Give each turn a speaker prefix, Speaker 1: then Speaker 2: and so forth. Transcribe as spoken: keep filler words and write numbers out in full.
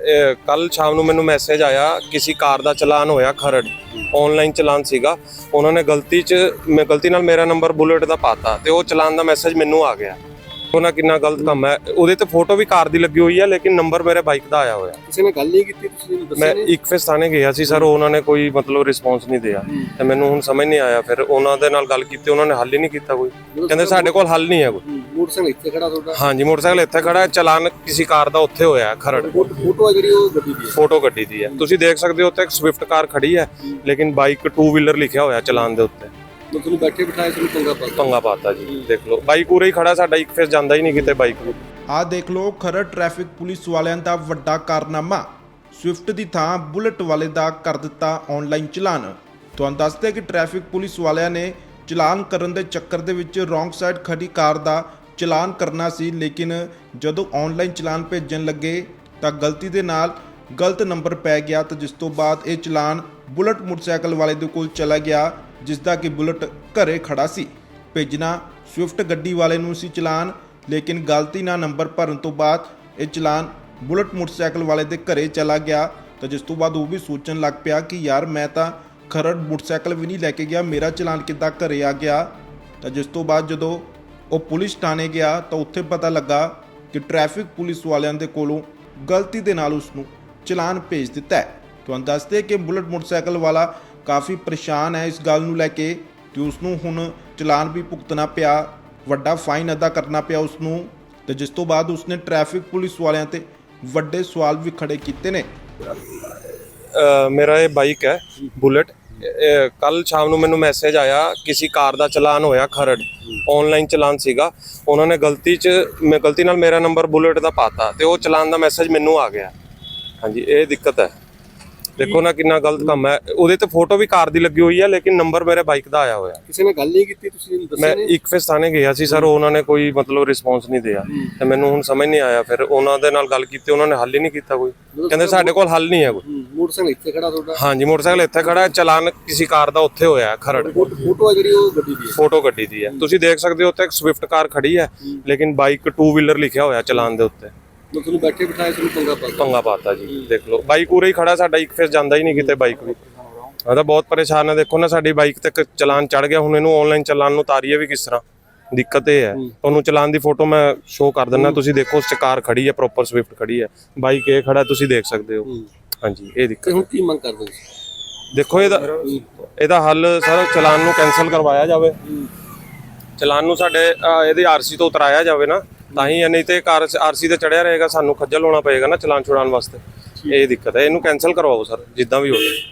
Speaker 1: ਕੱਲ ਸ਼ਾਮ ਨੂੰ ਮੈਨੂੰ ਮੈਸੇਜ ਆਇਆ ਕਿਸੇ ਕਾਰ ਦਾ ਚਲਾਨ ਹੋਇਆ ਖਰੜ ਆਨਲਾਈਨ ਚਲਾਨ ਸੀਗਾ। ਉਹਨਾਂ ਨੇ ਗਲਤੀ 'ਚ ਮੈਂ ਗਲਤੀ ਨਾਲ ਮੇਰਾ ਨੰਬਰ ਬੁਲਟ ਦਾ ਪਾਤਾ ਤੇ ਉਹ ਚਲਾਨ ਦਾ ਮੈਸੇਜ ਮੈਨੂੰ ਆ ਗਿਆ। ਉਹਨਾਂ ਕਿੰਨਾ ਗਲਤ ਕੰਮ ਹੈ। ਉਹਦੇ ਤੇ ਫੋਟੋ ਵੀ ਕਾਰ ਦੀ ਲੱਗੀ ਹੋਈ ਹੈ ਲੇਕਿਨ ਨੰਬਰ ਮੇਰੇ ਬਾਈਕ ਦਾ ਆਇਆ ਹੋਇਆ।
Speaker 2: ਕਿਸੇ ਨੇ ਗੱਲ ਨਹੀਂ ਕੀਤੀ, ਤੁਸੀਂ ਦੱਸਿਆ
Speaker 1: ਮੈਂ
Speaker 2: ਨਹੀਂ?
Speaker 1: ਇੱਕ ਫੇਸ ਥਾਣੇ ਗਿਆ ਸੀ ਸਰ, ਉਹਨਾਂ ਨੇ ਕੋਈ ਮਤਲਬ ਰਿਸਪੌਂਸ ਨਹੀਂ ਦਿਆ ਤੇ ਮੈਨੂੰ ਹੁਣ ਸਮਝ ਨਹੀਂ ਆਇਆ। ਫਿਰ ਉਹਨਾਂ ਦੇ ਨਾਲ ਗੱਲ ਕੀਤੀ, ਉਹਨਾਂ ਨੇ ਹੱਲ ਹੀ ਨਹੀਂ ਕੀਤਾ ਕੋਈ। ਕਹਿੰਦੇ ਸਾਡੇ ਕੋਲ ਹੱਲ ਨਹੀਂ ਹੈ ਕੋਈ।
Speaker 2: ਮੋਟਰਸਾਈਕਲ ਇੱਥੇ ਖੜਾ ਤੁਹਾਡਾ?
Speaker 1: ਹਾਂਜੀ, ਮੋਟਰਸਾਈਕਲ ਇੱਥੇ ਖੜਾ ਹੈ। ਚਲਾਨ ਕਿਸੇ ਕਾਰ ਦਾ ਉੱਥੇ ਹੋਇਆ ਹੈ ਖਰੜ।
Speaker 2: ਫੋਟੋ ਆ ਜਿਹੜੀ ਉਹ ਗੱਡੀ ਦੀ ਹੈ?
Speaker 1: ਫੋਟੋ ਗੱਡੀ ਦੀ ਹੈ। ਤੁਸੀਂ ਦੇਖ ਸਕਦੇ ਹੋ ਉੱਥੇ ਇੱਕ ਸਵਿਫਟ ਕਾਰ ਖੜੀ ਹੈ ਲੇਕਿਨ ਬਾਈਕ ਟੂ ਵੀਲਰ ਲਿਖਿਆ ਹੋਇਆ ਚਲਾਨ ਦੇ ਉੱਤੇ।
Speaker 2: ਤੁਹਾਨੂੰ ਬੈਠੇ ਬਿਠਾਏ ਤੁਹਾਨੂੰ ਪੰਗਾ ਪਾ
Speaker 1: ਪੰਗਾ ਪਾਤਾ ਜੀ। ਦੇਖ ਲਓ ਬਾਈਕ ਉਰੇ ਹੀ ਖੜਾ, ਸਾਡਾ ਇੱਕ ਫੇਸ ਜਾਂਦਾ ਹੀ ਨਹੀਂ ਕਿਤੇ ਬਾਈਕ ਨੂੰ।
Speaker 3: ਆਹ ਦੇਖ ਲਓ ਖਰੜ ਟ੍ਰੈਫਿਕ ਪੁਲਿਸ ਵਾਲਿਆਂ ਦਾ ਵੱਡਾ ਕਾਰਨਾਮਾ। ਸਵਿਫਟ ਦੀ ਥਾਂ ਬੁਲਟ ਵਾਲੇ ਦਾ ਕਰ ਦਿੱਤਾ ਆਨਲਾਈਨ ਚਲਾਨ। ਤੁਹਾਨੂੰ ਦੱਸਦੇ ਕਿ ਟ੍ਰੈਫਿਕ ਪੁਲਿਸ ਵਾਲਿਆਂ ਨੇ ਚਲਾਨ ਕਰਨ ਦੇ ਚੱਕਰ ਦੇ ਵਿੱਚ ਰੋਂਗ ਸਾਈਡ ਖੜੀ ਕਾਰ ਦਾ ਚਲਾਨ ਕਰਨਾ ਸੀ, ਲੇਕਿਨ ਜਦੋਂ ਆਨਲਾਈਨ ਚਲਾਨ ਭੇਜਣ ਲੱਗੇ ਤਾਂ ਗਲਤੀ ਦੇ ਨਾਲ ਗਲਤ ਨੰਬਰ ਪੈ ਗਿਆ, ਤਾਂ ਜਿਸ ਤੋਂ ਬਾਅਦ ਇਹ ਚਲਾਨ ਬੁਲਟ ਮੋਟਰਸਾਈਕਲ ਵਾਲੇ ਦੇ ਕੋਲ ਚਲਾ ਗਿਆ, ਜਿਸ ਦਾ ਕਿ ਬੁਲਟ ਘਰੇ ਖੜਾ ਸੀ। ਭੇਜਣਾ ਸਵਿਫਟ ਗੱਡੀ ਵਾਲੇ ਨੂੰ ਸੀ ਚਲਾਨ, ਲੇਕਿਨ ਗਲਤੀ ਨਾਲ ਨੰਬਰ ਭਰਨ ਤੋਂ ਬਾਅਦ ਇਹ ਚਲਾਨ ਬੁਲਟ ਮੋਟਰਸਾਈਕਲ ਵਾਲੇ ਦੇ ਘਰੇ ਚਲਾ ਗਿਆ। ਤਾਂ ਜਿਸ ਤੋਂ ਬਾਅਦ ਉਹ ਵੀ ਸੋਚਣ ਲੱਗ ਪਿਆ ਕਿ ਯਾਰ ਮੈਂ ਤਾਂ ਖਰੜ ਮੋਟਰਸਾਈਕਲ ਵੀ ਨਹੀਂ ਲੈ ਕੇ ਗਿਆ, ਮੇਰਾ ਚਲਾਨ ਕਿੱਦਾਂ ਘਰੇ ਆ ਗਿਆ। ਤਾਂ ਜਿਸ ਤੋਂ ਬਾਅਦ ਜਦੋਂ ਉਹ ਪੁਲਿਸ ਥਾਣੇ ਗਿਆ ਤਾਂ ਉੱਥੇ ਪਤਾ ਲੱਗਾ ਕਿ ਟ੍ਰੈਫਿਕ ਪੁਲਿਸ ਵਾਲਿਆਂ ਦੇ ਕੋਲੋਂ ਗਲਤੀ ਦੇ ਨਾਲ ਉਸ ਨੂੰ ਚਲਾਨ ਭੇਜ ਦਿੱਤਾ ਹੈ। ਤੁਹਾਨੂੰ ਦੱਸਦੇ ਕਿ ਬੁਲਟ ਮੋਟਰਸਾਈਕਲ ਵਾਲਾ ਕਾਫੀ ਪਰੇਸ਼ਾਨ ਹੈ ਇਸ ਗੱਲ ਨੂੰ ਲੈ ਕੇ ਕਿ ਉਸ ਨੂੰ ਹੁਣ ਚਲਾਨ ਵੀ ਭੁਗਤਣਾ ਪਿਆ, ਵੱਡਾ ਫਾਈਨ ਅਦਾ ਕਰਨਾ ਪਿਆ ਉਸ ਨੂੰ। ਤੇ ਜਿਸ ਤੋਂ ਬਾਅਦ ਉਸਨੇ ਟ੍ਰੈਫਿਕ ਪੁਲਿਸ ਵਾਲਿਆਂ ਤੇ ਵੱਡੇ ਸਵਾਲ ਵੀ ਖੜੇ ਕੀਤੇ ਨੇ।
Speaker 1: ਮੇਰਾ ਇਹ ਬਾਈਕ ਹੈ ਬੁਲਟ। ਕੱਲ ਸ਼ਾਮ ਨੂੰ ਮੈਨੂੰ ਮੈਸੇਜ ਆਇਆ ਕਿਸੇ ਕਾਰ ਦਾ ਚਲਾਨ ਹੋਇਆ ਖਰੜ ਆਨਲਾਈਨ ਚਲਾਨ ਸੀਗਾ। ਉਹਨਾਂ ਨੇ ਗਲਤੀ 'ਚ ਮੈਂ ਗਲਤੀ ਨਾਲ ਮੇਰਾ ਨੰਬਰ ਬੁਲਟ ਦਾ ਪਾਤਾ ਤੇ ਉਹ ਚਲਾਨ ਦਾ ਮੈਸੇਜ ਮੈਨੂੰ ਆ ਗਿਆ। ਹਾਂਜੀ, ਇਹ ਦਿੱਕਤ ਹੈ। ਦੇਖੋ ਨਾ ਕਿੰਨਾ ਗਲਤ ਕੰਮ ਹੈ। ਉਹਦੇ ਤੇ ਫੋਟੋ ਵੀ ਕਾਰ ਦੀ ਲੱਗੀ ਹੋਈ ਹੈ ਲੇਕਿਨ ਨੰਬਰ ਮੇਰੇ ਬਾਈਕ ਦਾ ਆਇਆ ਹੋਇਆ।
Speaker 2: ਕਿਸੇ ਨੇ ਗੱਲ ਨਹੀਂ ਕੀਤੀ, ਤੁਸੀਂ ਦੱਸਿਆ
Speaker 1: ਮੈਂ
Speaker 2: ਨਹੀਂ?
Speaker 1: ਇੱਕ ਫੇਸ ਥਾਣੇ ਗਿਆ ਸੀ ਸਰ, ਉਹਨਾਂ ਨੇ ਕੋਈ ਮਤਲਬ ਰਿਸਪੌਂਸ ਨਹੀਂ ਦਿਆ ਤੇ ਮੈਨੂੰ ਹੁਣ ਸਮਝ ਨਹੀਂ ਆਇਆ। ਫਿਰ ਉਹਨਾਂ ਦੇ ਨਾਲ ਗੱਲ ਕੀਤੀ, ਉਹਨਾਂ ਨੇ ਹੱਲ ਹੀ ਨਹੀਂ ਕੀਤਾ ਕੋਈ। ਕਹਿੰਦੇ ਸਾਡੇ ਕੋਲ ਹੱਲ ਨਹੀਂ ਹੈ ਕੋਈ।
Speaker 2: ਮੋਟਰਸਾਈਕਲ ਇੱਥੇ ਖੜਾ ਤੁਹਾਡਾ?
Speaker 1: ਹਾਂਜੀ, ਮੋਟਰਸਾਈਕਲ ਇੱਥੇ ਖੜਾ ਹੈ। ਚਲਾਨ ਕਿਸੇ ਕਾਰ ਦਾ ਉੱਥੇ ਹੋਇਆ ਹੈ ਖਰੜ।
Speaker 2: ਫੋਟੋ ਆ ਜਿਹੜੀ ਉਹ ਗੱਡੀ ਦੀ ਹੈ?
Speaker 1: ਫੋਟੋ ਗੱਡੀ ਦੀ ਹੈ। ਤੁਸੀਂ ਦੇਖ ਸਕਦੇ ਹੋ ਉੱਥੇ ਇੱਕ ਸਵਿਫਟ ਕਾਰ ਖੜੀ ਹੈ ਲੇਕਿਨ ਬਾਈਕ ਟੂ ਵੀਲਰ ਲਿਖਿਆ ਹੋਇਆ ਚਲਾਨ ਦੇ ਉੱਤੇ।
Speaker 2: ਤੁਹਾਨੂੰ ਬੈਠੇ ਬਿਠਾਏ ਤੁਹਾਨੂੰ ਪੰਗਾ ਪਾ
Speaker 1: ਪੰਗਾ ਪਾਤਾ ਜੀ। ਦੇਖ ਲਓ ਬਾਈਕ ਉਰੇ ਹੀ ਖੜਾ, ਸਾਡਾ ਇੱਕ ਫੇਸ ਜਾਂਦਾ ਹੀ ਨਹੀਂ ਕਿਤੇ ਬਾਈਕ ਵੀ। ਮੈਂ ਤਾਂ ਬਹੁਤ ਪਰੇਸ਼ਾਨ ਹੈ। ਦੇਖੋ ਨਾ ਸਾਡੀ ਬਾਈਕ ਤੇ ਚਲਾਨ ਚੜ ਗਿਆ। ਹੁਣ ਇਹਨੂੰ ਆਨਲਾਈਨ ਚਲਾਨ ਨੂੰ ਉਤਾਰੀਏ ਵੀ ਕਿਸ ਤਰ੍ਹਾਂ? ਦਿੱਕਤ ਇਹ ਹੈ। ਤੁਹਾਨੂੰ ਚਲਾਨ ਦੀ ਫੋਟੋ ਮੈਂ ਸ਼ੋਅ ਕਰ ਦਿੰਦਾ, ਤੁਸੀਂ ਦੇਖੋ ਉਸ 'ਚ ਕਾਰ ਖੜੀ ਹੈ, ਪ੍ਰੋਪਰ ਸਵਿਫਟ ਖੜੀ ਹੈ, ਬਾਈਕ ਇਹ ਖੜਾ, ਤੁਸੀਂ ਦੇਖ ਸਕਦੇ ਹੋ। ਹਾਂਜੀ, ਇਹ ਦਿੱਕਤ।
Speaker 2: ਹੁਣ ਕੀ ਮੰਗ ਕਰਦੇ ਹੋ?
Speaker 1: ਦੇਖੋ ਇਹਦਾ ਇਹਦਾ ਹੱਲ ਸਰ ਚਲਾਨ ਨੂੰ ਕੈਂਸਲ ਕਰਵਾਇਆ ਜਾਵੇ। ਚਲਾਨ ਨੂੰ ਸਾਡੇ ਇਹਦੇ ਆਰਸੀ ਤੋਂ ਉਤਰਾਇਆ ਜਾਵੇ ਨਾ, ਤਾਂ ਹੀ। ਨਹੀਂ ਤੇ ਕਾਰ ਆਰਸੀ ਤੇ ਚੜਿਆ ਰਹੇਗਾ, ਸਾਨੂੰ ਖੱਜਲ ਹੋਣਾ ਪਏਗਾ ਨਾ ਚਲਾਨ ਛੁਡਾਉਣ ਵਾਸਤੇ। ਇਹ ਦਿੱਕਤ ਹੈ। ਇਹਨੂੰ ਕੈਂਸਲ ਕਰਵਾਓ ਸਰ, ਜਿੱਦਾਂ ਵੀ ਹੋਵੇ।